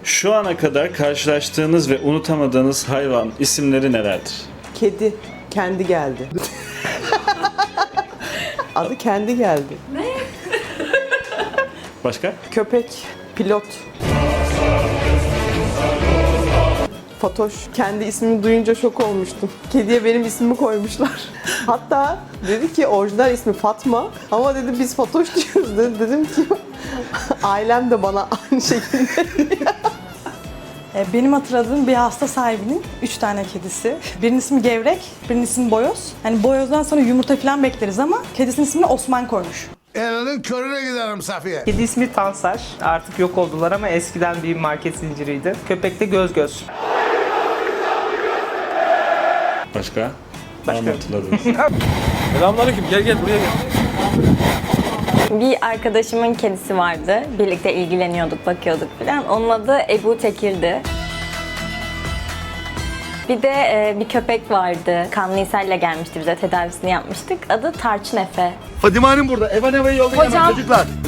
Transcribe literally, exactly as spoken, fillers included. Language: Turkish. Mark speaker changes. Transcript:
Speaker 1: Şu ana kadar karşılaştığınız ve unutamadığınız hayvan isimleri nelerdir?
Speaker 2: Kedi. Kendi geldi. Adı kendi geldi.
Speaker 1: Başka?
Speaker 2: Köpek. Pilot. Fatoş. Kendi ismimi duyunca şok olmuştum. Kediye benim ismimi koymuşlar. Hatta dedi ki orijinal ismi Fatma ama dedi biz Fatoş diyoruz dedi. Dedim ki ailem de bana aynı şekilde.
Speaker 3: Benim hatırladığım bir hasta sahibinin üç tane kedisi. Birinin ismi Gevrek, birinin ismi Boyoz. Hani Boyoz'dan sonra yumurta falan bekleriz ama kedisinin ismini Osman koymuş.
Speaker 4: Elinin körüne giderim Safiye.
Speaker 5: Kedi ismi Tansar. Artık yok oldular ama eskiden bir market zinciriydi. Köpek de Göz Göz.
Speaker 1: Başka?
Speaker 5: Başka.
Speaker 1: Anlatıladınız.
Speaker 6: Selamünaleyküm. Gel gel buraya gel.
Speaker 7: Bir arkadaşımın kedisi vardı. Birlikte ilgileniyorduk, bakıyorduk falan. Onun adı Ebu Tekir'di. Bir de e, bir köpek vardı. Kanlı ishal gelmişti bize, tedavisini yapmıştık. Adı Tarçın Efe.
Speaker 4: Fadime Hanım burada. Eva Neva'yı yollayın
Speaker 7: Hocam-
Speaker 4: çocuklar.